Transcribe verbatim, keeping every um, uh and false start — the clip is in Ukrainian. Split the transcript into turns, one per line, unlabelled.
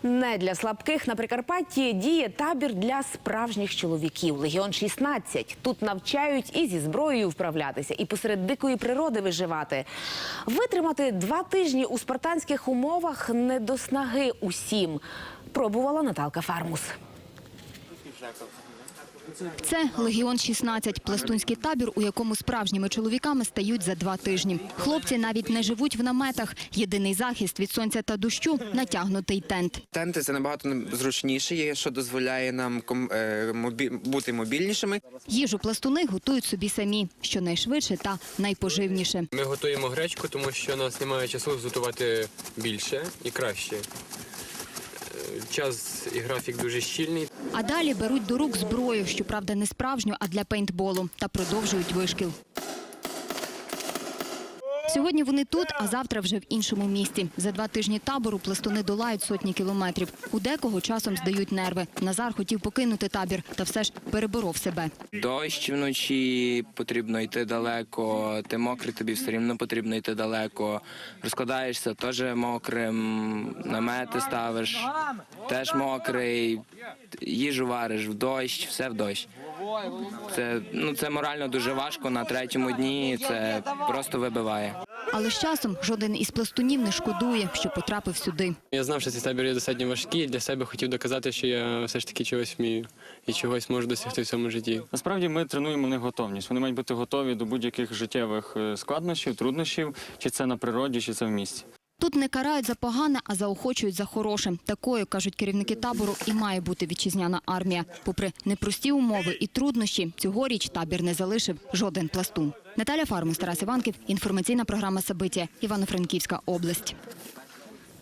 Не для слабких на Прикарпатті діє табір для справжніх чоловіків. Легіон шістнадцять. Тут навчають і зі зброєю вправлятися, і посеред дикої природи виживати. Витримати два тижні у спартанських умовах не до снаги усім. Пробувала Наталка Фармус.
Це «Легіон шістнадцять» – пластунський табір, у якому справжніми чоловіками стають за два тижні. Хлопці навіть не живуть в наметах. Єдиний захист від сонця та дощу – натягнутий тент.
Тенти – це набагато зручніше, що дозволяє нам бути мобільнішими.
Їжу пластуни готують собі самі, щонайшвидше та найпоживніше.
Ми готуємо гречку, тому що у нас немає часу готувати більше і краще. Час і графік дуже щільний.
А далі беруть до рук зброю, щоправда не справжню, а для пейнтболу, та продовжують вишкіл. Сьогодні вони тут, а завтра вже в іншому місті. За два тижні табору пластуни долають сотні кілометрів. У декого часом здають нерви. Назар хотів покинути табір, та все ж переборов себе.
Дощ вночі, потрібно йти далеко, ти мокрий, тобі все рівно потрібно йти далеко. Розкладаєшся, теж мокрим, намети ставиш, теж мокрий, їжу вариш в дощ, все в дощ. Це, ну, це морально дуже важко, на третьому дні це просто вибиває.
Але з часом жоден із пластунів не шкодує, що потрапив сюди.
Я знав, що цей табір є достатньо важкий, для себе хотів доказати, що я все ж таки чогось вмію і чогось можу досягти в цьому житті.
Насправді ми тренуємо в них готовність. Вони мають бути готові до будь-яких життєвих складнощів, труднощів, чи це на природі, чи це в місті.
Тут не карають за погане, а заохочують за хороше. Такою, кажуть керівники табору, і має бути вітчизняна армія. Попри непрості умови і труднощі, цьогоріч табір не залишив жоден пластун. Наталя Фармус, Тарас Іванків, інформаційна програма «Сабиття», Івано-Франківська область.